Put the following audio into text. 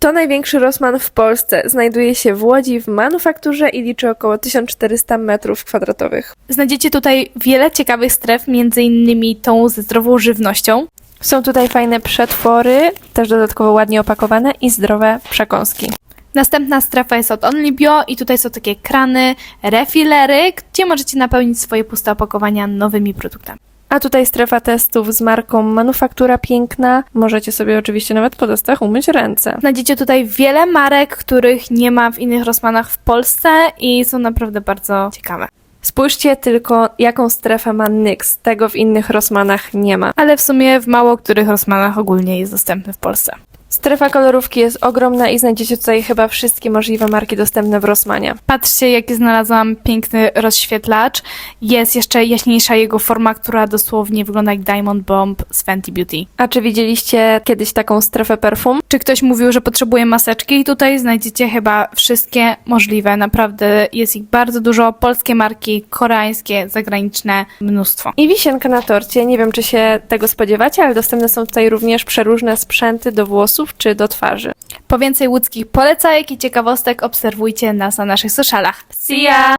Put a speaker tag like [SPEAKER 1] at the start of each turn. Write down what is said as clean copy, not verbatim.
[SPEAKER 1] To największy Rossmann w Polsce. Znajduje się w Łodzi w manufakturze i liczy około 1400 m2.
[SPEAKER 2] Znajdziecie tutaj wiele ciekawych stref, między innymi tą ze zdrową żywnością.
[SPEAKER 1] Są tutaj fajne przetwory, też dodatkowo ładnie opakowane i zdrowe przekąski.
[SPEAKER 2] Następna strefa jest od Only Bio i tutaj są takie krany, refillery, gdzie możecie napełnić swoje puste opakowania nowymi produktami.
[SPEAKER 1] A tutaj strefa testów z marką Manufaktura Piękna. Możecie sobie oczywiście nawet po testach umyć ręce.
[SPEAKER 2] Znajdziecie tutaj wiele marek, których nie ma w innych Rossmannach w Polsce i są naprawdę bardzo ciekawe.
[SPEAKER 1] Spójrzcie tylko, jaką strefę ma NYX. Tego w innych Rossmannach nie ma.
[SPEAKER 2] Ale w sumie w mało których Rossmannach ogólnie jest dostępny w Polsce.
[SPEAKER 1] Strefa kolorówki jest ogromna i znajdziecie tutaj chyba wszystkie możliwe marki dostępne w Rossmanie.
[SPEAKER 2] Patrzcie, jaki znalazłam piękny rozświetlacz. Jest jeszcze jaśniejsza jego forma, która dosłownie wygląda jak Diamond Bomb z Fenty Beauty.
[SPEAKER 1] A czy widzieliście kiedyś taką strefę perfum?
[SPEAKER 2] Czy ktoś mówił, że potrzebuje maseczki? I tutaj znajdziecie chyba wszystkie możliwe. Naprawdę jest ich bardzo dużo. Polskie marki, koreańskie, zagraniczne, mnóstwo.
[SPEAKER 1] I wisienka na torcie. Nie wiem, czy się tego spodziewacie, ale dostępne są tutaj również przeróżne sprzęty do włosów czy do twarzy.
[SPEAKER 2] Po więcej łódzkich polecajek i ciekawostek obserwujcie nas na naszych socialach. See ya!